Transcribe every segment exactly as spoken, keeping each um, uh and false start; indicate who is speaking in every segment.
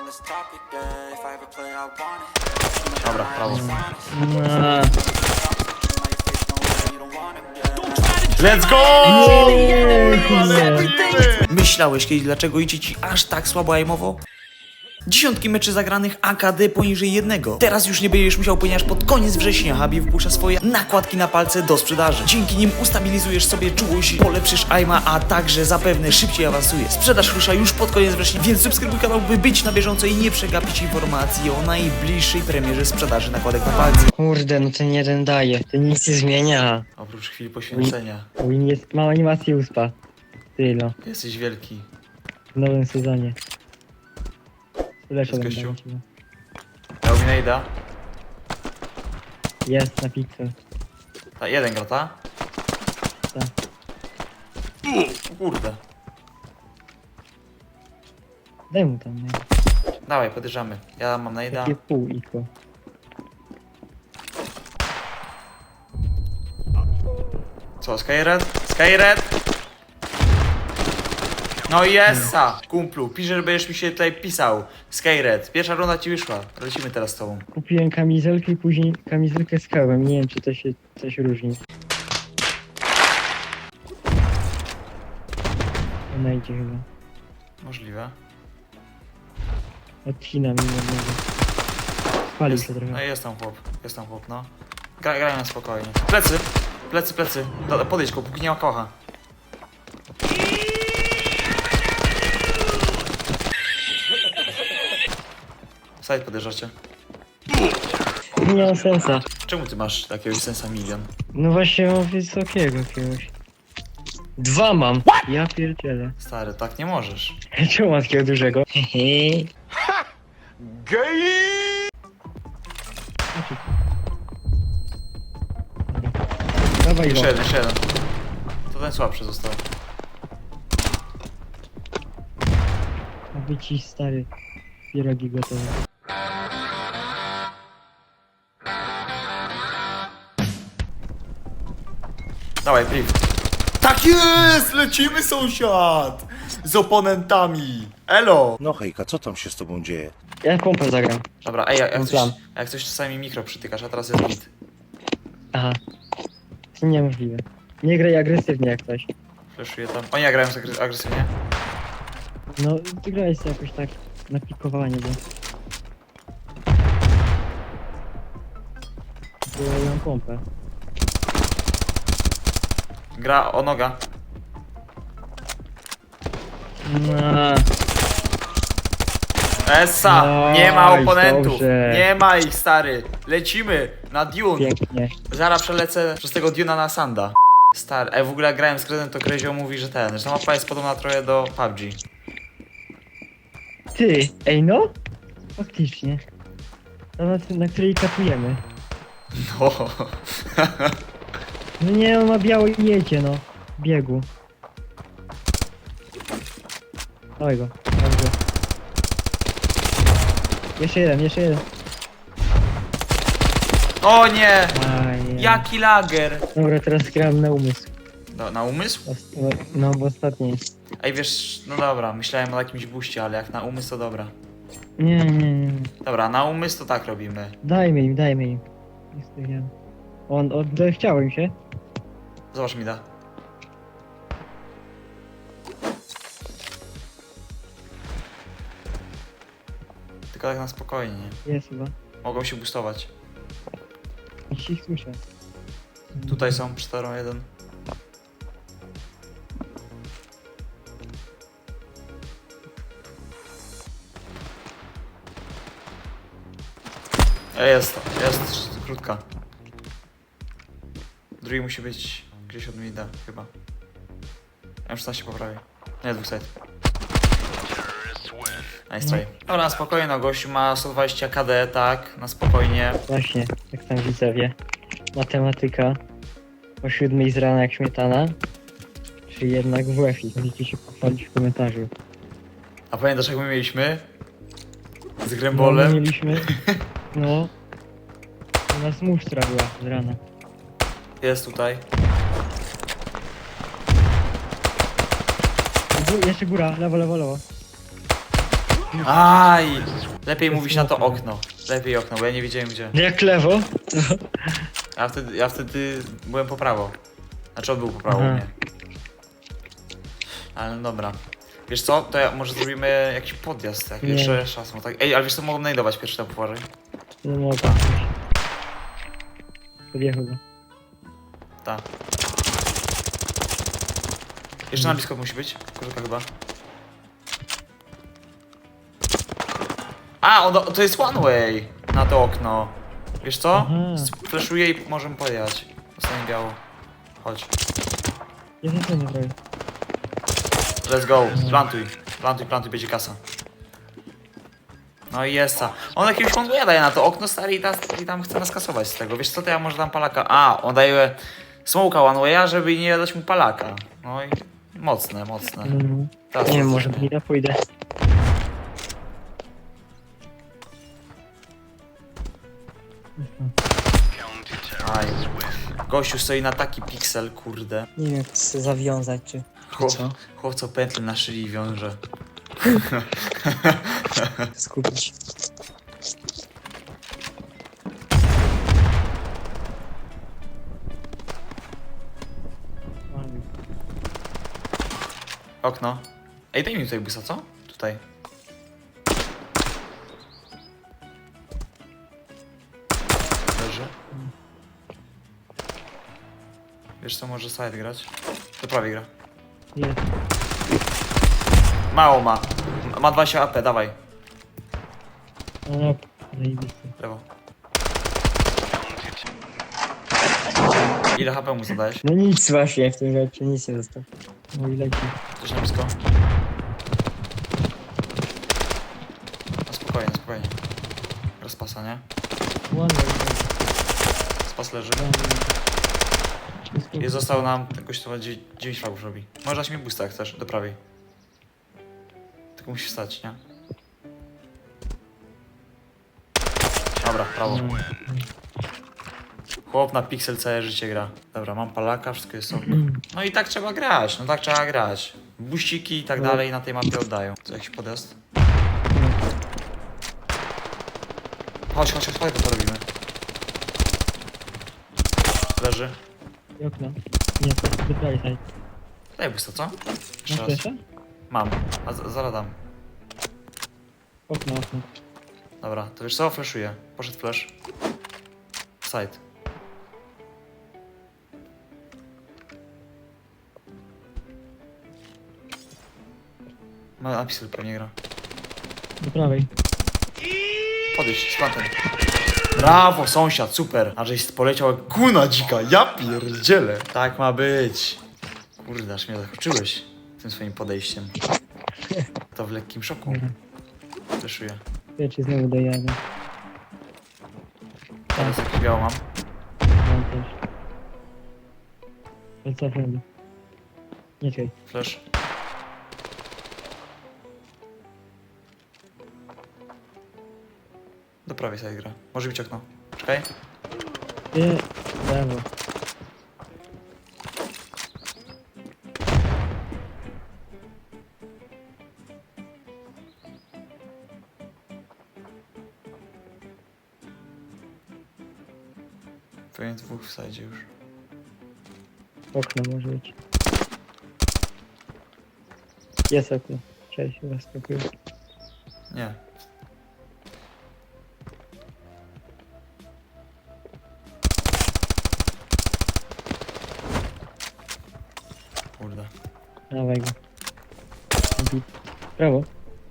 Speaker 1: Dobra, prawo. Let's go! Myślałeś kiedyś, dlaczego idzie ci aż tak słabo aimowo? Dziesiątki meczy zagranych A K D poniżej jednego. Teraz już nie będziesz musiał, ponieważ pod koniec września Habib wypuszcza swoje nakładki na palce do sprzedaży. Dzięki nim ustabilizujesz sobie czułość, polepszysz aima, a także zapewne szybciej awansuje. Sprzedaż rusza już pod koniec września, więc subskrybuj kanał, by być na bieżąco i nie przegapić informacji o najbliższej premierze sprzedaży nakładek na palce.
Speaker 2: Kurde, no ten jeden daje. To nic nie zmienia.
Speaker 1: Oprócz chwili poświęcenia.
Speaker 2: Win jest, ma animację uspa. Tyle.
Speaker 1: Jesteś wielki.
Speaker 2: W nowym sezonie. Lecz
Speaker 1: Jest gościu. Dał mi najda.
Speaker 2: Jest na pixel.
Speaker 1: Ta, jeden gra, ta?
Speaker 2: Tak.
Speaker 1: O kurde.
Speaker 2: Daj mu tam, nie?
Speaker 1: Dawaj, podjeżdżamy. Ja mam najda.
Speaker 2: Takie pół iko.
Speaker 1: Co, Skyred? Skyred? No i jessa, kumplu. Pisze, że będziesz mi się tutaj pisał. Skyred. Pierwsza runda ci wyszła. Lecimy teraz z tobą.
Speaker 2: Kupiłem kamizelkę i później kamizelkę z kałem. Nie wiem, czy to się coś różni. Ona idzie chyba.
Speaker 1: Możliwe.
Speaker 2: Odcina mi jednego. Spalił
Speaker 1: Jest,
Speaker 2: się
Speaker 1: no
Speaker 2: trochę.
Speaker 1: jest tam chłop. Jest tam chłop, no. Gra, graj na spokojnie. Plecy. Plecy, plecy. Do, podejdź go, póki nie ma kocha. Side podjeżdżacie.
Speaker 2: Nie ma sensa.
Speaker 1: Czemu ty masz takiego sensa milion?
Speaker 2: No właśnie mam wysokiego jakiegoś. Dwa mam. Ja pierdzielę.
Speaker 1: Stary, tak nie możesz.
Speaker 2: Czemu mam takiego dużego? Hehe. Dawaj go.
Speaker 1: Jeszcze jeden, jeszcze jeden. To ten słabszy został.
Speaker 2: Aby ci stary pierogi gotowe.
Speaker 1: Dawaj, priv. Tak jest! Lecimy, sąsiad! Z oponentami. Elo!
Speaker 3: No hejka, co tam się z tobą dzieje?
Speaker 2: Ja pompę zagram.
Speaker 1: Dobra, ej, jak, jak,
Speaker 2: Mam
Speaker 1: coś,
Speaker 2: plan.
Speaker 1: jak coś czasami mikro przytykasz, a teraz jest git.
Speaker 2: Aha. To niemożliwe. Nie graj agresywnie jak coś.
Speaker 1: Fleszuję tam. Oni grają agres- agresywnie.
Speaker 2: No, ty grałeś sobie jakoś tak na pikowanie, bo... Bo ja mam pompę.
Speaker 1: Gra o noga.
Speaker 2: No,
Speaker 1: Essa!
Speaker 2: No
Speaker 1: Nie ma
Speaker 2: i
Speaker 1: oponentów!
Speaker 2: dobrze.
Speaker 1: Nie ma ich, stary! Lecimy! Na Dune!
Speaker 2: pięknie.
Speaker 1: Zaraz przelecę przez tego Duna na Sanda. Stary, ej, w ogóle jak grałem z Krezem, to Krezio mówi, że ten, że ta mapa jest podobna trochę do P U B G.
Speaker 2: Ty, ej no? Faktycznie. To na, na której katujemy.
Speaker 1: No.
Speaker 2: No nie, on ma biały i jedzie, no. W biegu. Dawaj go. Dobrze. Jeszcze jeden, jeszcze jeden.
Speaker 1: O nie!
Speaker 2: Aj,
Speaker 1: Jaki lager!
Speaker 2: Dobra, teraz gram na umysł.
Speaker 1: No, na umysł?
Speaker 2: Os- No, no bo ostatni jest.
Speaker 1: Ej, wiesz, no dobra, myślałem o jakimś buście, ale jak na umysł to dobra.
Speaker 2: Nie, nie, nie.
Speaker 1: Dobra, na umysł to tak robimy.
Speaker 2: Dajmy im, dajmy im. Jest to ja. On, on, chciałem się.
Speaker 1: Zobacz mi da. Tylko tak na spokojnie, nie?
Speaker 2: Jest chyba.
Speaker 1: Mogą się boostować.
Speaker 2: Jeśli ich słyszę.
Speaker 1: Tutaj są, cztery jeden. Ej, jest to, jest krótka. Drugi musi być gdzieś od mida, chyba. Ja już się poprawię. Nie, dwóch side. Nice try. Dobra, na spokojnie, no gościu ma sto dwadzieścia K D, tak, na spokojnie.
Speaker 2: Właśnie, jak tam widzowie. Matematyka. O siódmej z rana jak śmietana. Czy jednak w F I. Możecie się pochwalić w komentarzu.
Speaker 1: A pamiętasz jak my mieliśmy? Z
Speaker 2: No, my
Speaker 1: Grembolem?
Speaker 2: mieliśmy. No. U nas musztra była z rana.
Speaker 1: Jest tutaj.
Speaker 2: Gó- Jeszcze góra, lewo, lewo, lewo.
Speaker 1: Aj! Lepiej mówić na to okno. Lepiej okno, bo ja nie wiedziałem gdzie.
Speaker 2: Jak lewo? To...
Speaker 1: Ja wtedy, ja wtedy byłem po prawo. Znaczy on był po prawo u
Speaker 2: Aha.
Speaker 1: mnie. Ale no dobra. Wiesz co, to ja, może zrobimy jakiś podjazd, jak
Speaker 2: Nie.
Speaker 1: jeszcze szasmo, tak? Ej, ale wiesz co, mogą najdować pierwszy tam uważaj.
Speaker 2: Nie mogę. Podjechał go.
Speaker 1: Tak. Jeszcze na blisko musi być, kurka chyba. A, ono, to jest one way na to okno. Wiesz co?
Speaker 2: Aha.
Speaker 1: Flashuję i możemy podjechać. Zostanie biało. Chodź.
Speaker 2: Ja nie nie robię.
Speaker 1: Let's go. Plantuj. Plantuj, plantuj, będzie kasa. No i jest ta. On jakiegoś one waya daje na to okno stary i, ta, i tam chce nas kasować z tego. Wiesz co, to ja może dam palaka. A, on daje smoka one waya, żeby nie dać mu palaka. No i mocne, mocne.
Speaker 2: No.
Speaker 1: Teraz
Speaker 2: Nie wiem,
Speaker 1: to
Speaker 2: może
Speaker 1: zrobię.
Speaker 2: ja pójdę.
Speaker 1: Aj. Gościu stoi na taki piksel, kurde.
Speaker 4: Nie wiem, chcę zawiązać, czy...
Speaker 1: Chłop,
Speaker 4: Co?
Speaker 1: chłop co pętlę na szyi wiąże.
Speaker 4: skupić.
Speaker 1: Okno. Ej, daj mi tutaj busa, co? Tutaj. Leży. Wiesz co, może side grać? To prawie gra.
Speaker 2: Nie.
Speaker 1: Mało ma. Ma dwadzieścia A P, dawaj.
Speaker 2: No, zajebisty.
Speaker 1: Lewo. Ile H P mu zadałeś?
Speaker 4: No nic właśnie w tym rzeczy, nic nie zostało.
Speaker 2: No i leci.
Speaker 1: Coś na blisko? No spokojnie, spokojnie. Rozpasa, nie?
Speaker 2: Ładnie.
Speaker 1: Spas leży. I został nam jakoś to dziewięć fragów robi. Możesz mi boosta jak chcesz, do prawej. Tylko musisz wstać, nie? Dobra, prawo. Chłop na pixel całe życie gra. Dobra, mam palaka, wszystko jest ok. No i tak trzeba grać, no tak trzeba grać. Buściki i tak dalej na tej mapie oddają. Co, jakiś podjazd? Chodź, chodź, chodź, chodź, to robimy. Leży.
Speaker 2: I okno. Nie, to jest wyprawie side.
Speaker 1: Daj boosta, co? Jeszcze
Speaker 2: Masz
Speaker 1: raz.
Speaker 2: jeszcze?
Speaker 1: Mam, a z- zaraz dam.
Speaker 2: Okno, okno.
Speaker 1: Dobra, to wiesz co? Flashuję. Poszedł flash. Side. Ma napisy pewnie gra.
Speaker 2: Do prawej.
Speaker 1: Podejść, z plantem. Brawo, sąsiad, super. A żeś poleciał jak kuna dzika, ja pierdzielę. Tak ma być. Kurde, aż mnie zaskoczyłeś tym swoim podejściem. To w lekkim szoku.
Speaker 2: Dobra.
Speaker 1: Flashuję.
Speaker 2: Ja ci znowu dojadę.
Speaker 1: Teraz jakiś biało mam.
Speaker 2: Mam też. Ale co wtedy? Nie czekaj.
Speaker 1: Flash. Do prawej side gra. Może być okno. Czekaj.
Speaker 2: Nie, brawo.
Speaker 1: Pewnie dwóch w side już.
Speaker 2: Okno może być. Jest okno. Cześć, zaskakuję.
Speaker 1: Nie. Kurde.
Speaker 2: Dawaj go. Bit. Brawo.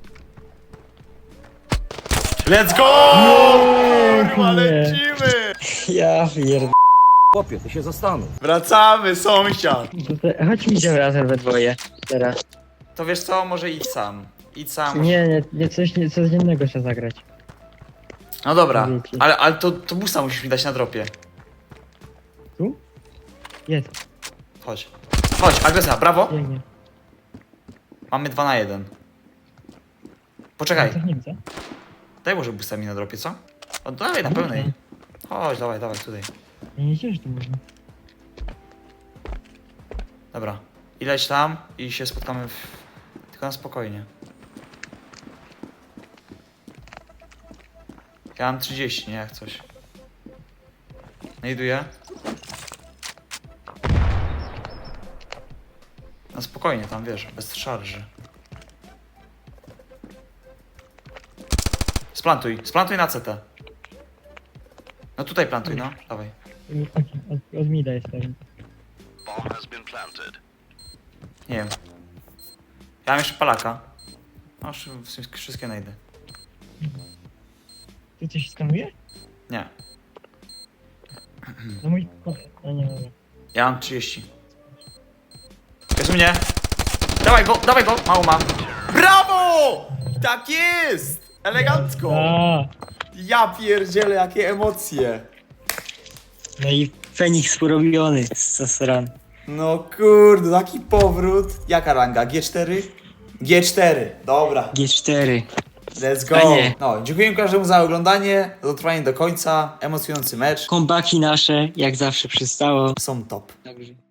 Speaker 1: Let's go! Kurwa,
Speaker 2: nie.
Speaker 1: lecimy!
Speaker 4: Ja pierd...
Speaker 3: Chłopie, ty się zastanów.
Speaker 1: Wracamy, sąsiad!
Speaker 2: To te, chodź mi idziemy razem we dwoje. Teraz.
Speaker 1: To wiesz co, może idź sam. Idź sam.
Speaker 2: Nie, nie, nie coś, nie, coś innego trzeba zagrać.
Speaker 1: No dobra,
Speaker 2: Wiecie.
Speaker 1: ale, ale to, to busa musisz mi dać na dropie.
Speaker 2: Tu? Jest.
Speaker 1: Chodź. Chodź, agresja, brawo.
Speaker 2: Biegnie.
Speaker 1: Mamy dwa na jeden. Poczekaj,
Speaker 2: Co nie widzę?
Speaker 1: daj może busta mi na dropie, co? O, dawaj na pełnej. Chodź, dawaj, dawaj, tutaj.
Speaker 2: Ja nie wiedziałem, że to można.
Speaker 1: Dobra. I leć tam i się spotkamy w... Tylko na spokojnie. Ja mam trzydzieści, nie jak coś. Znajduję. No spokojnie tam, wiesz, bez szarży. Splantuj, splantuj na C T. No tutaj plantuj, no, dawaj.
Speaker 2: Od, od, od mida jestem.
Speaker 1: Nie wiem. Ja mam jeszcze palaka. No, już w sumie wszystkie najdę.
Speaker 2: Ty coś skanuje?
Speaker 1: Nie,
Speaker 2: No mój... No nie, nie.
Speaker 1: ja mam trzydzieści. Jest u mnie. Dawaj go, dawaj go, mało mam. Brawo! Tak jest! Elegancko!
Speaker 2: A,
Speaker 1: Ja pierdzielę, jakie emocje.
Speaker 4: No i Feniks porobiony z Sasran.
Speaker 1: No kurde, taki powrót. Jaka ranga? G cztery? G cztery, dobra.
Speaker 4: G cztery.
Speaker 1: Let's go.
Speaker 4: Fajnie.
Speaker 1: No, dziękuję każdemu za oglądanie, za dotrwanie do końca. Emocjonujący mecz.
Speaker 4: Kombaki nasze, jak zawsze przystało.
Speaker 1: Są top.
Speaker 4: Dobrze.